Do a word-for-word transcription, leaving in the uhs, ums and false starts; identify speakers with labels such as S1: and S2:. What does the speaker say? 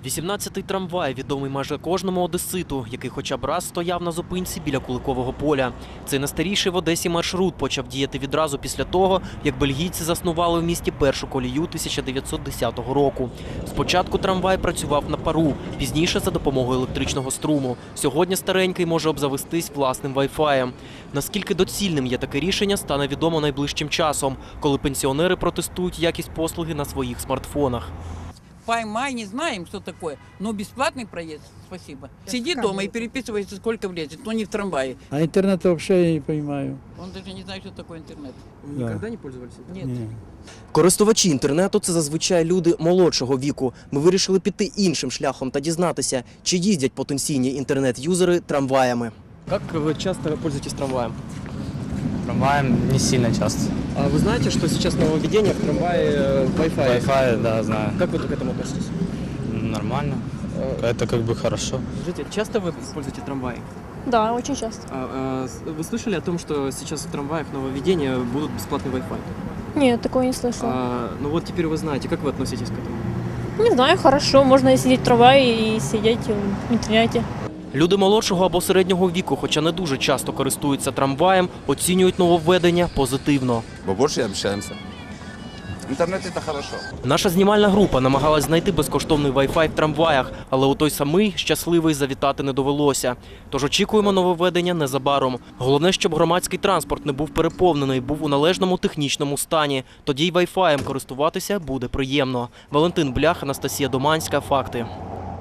S1: вісімнадцятий трамвай відомий майже кожному одеситу, який хоча б раз стояв на зупинці біля Куликового поля. Цей найстаріший в Одесі маршрут почав діяти відразу після того, як бельгійці заснували в місті першу колію тисяча дев'ятсот десятого року. Спочатку трамвай працював на пару, пізніше за допомогою електричного струму. Сьогодні старенький може обзавестись власним вай-фаєм. Наскільки доцільним є таке рішення, стане відомо найближчим часом, коли пенсіонери протестують якість послуги на своїх смартфонах.
S2: Поймай, не знаем, что такое, но бесплатный проезд, спасибо. Сиди дома и переписывайся, сколько влезет, но не в трамвае.
S3: А интернет вообще я не понимаю.
S2: Он даже не знает, что такое интернет.
S3: Да.
S1: Ніколи не пользувалися?
S2: Нет.
S3: Не.
S1: Користувачі інтернету – це зазвичай люди молодшого віку. Ми вирішили піти іншим шляхом та дізнатися, чи їздять потенційні інтернет-юзери трамваями. Як ви часто пользуєтесь трамваєм?
S4: Трамваем не сильно часто.
S1: А вы знаете, что сейчас нововведение в трамвае Wi-Fi?
S4: Wi-Fi, да, знаю.
S1: Как вы к этому относитесь?
S4: Нормально. Это как бы хорошо.
S1: Скажите, часто вы используете трамваи?
S5: Да, очень часто.
S1: А, а, вы слышали о том, что сейчас в трамваях нововведения будут бесплатный Wi-Fi?
S5: Нет, такого не слышала.
S1: А, ну вот теперь вы знаете, как вы относитесь к этому?
S5: Не знаю, хорошо, можно сидеть в трамвае и сидеть в интернете.
S1: Люди молодшого або середнього віку, хоча не дуже часто користуються трамваєм, оцінюють нововведення позитивно.
S6: Мы больше общаемся. Интернет – это хорошо.
S1: Наша знімальна група намагалась знайти безкоштовний Wi-Fi в трамваях, але у той самий щасливий завітати не довелося. Тож очікуємо нововведення незабаром. Головне, щоб громадський транспорт не був переповнений, був у належному технічному стані. Тоді й Wi-Fi користуватися буде приємно. Валентин Блях, Анастасія Доманська. Факти.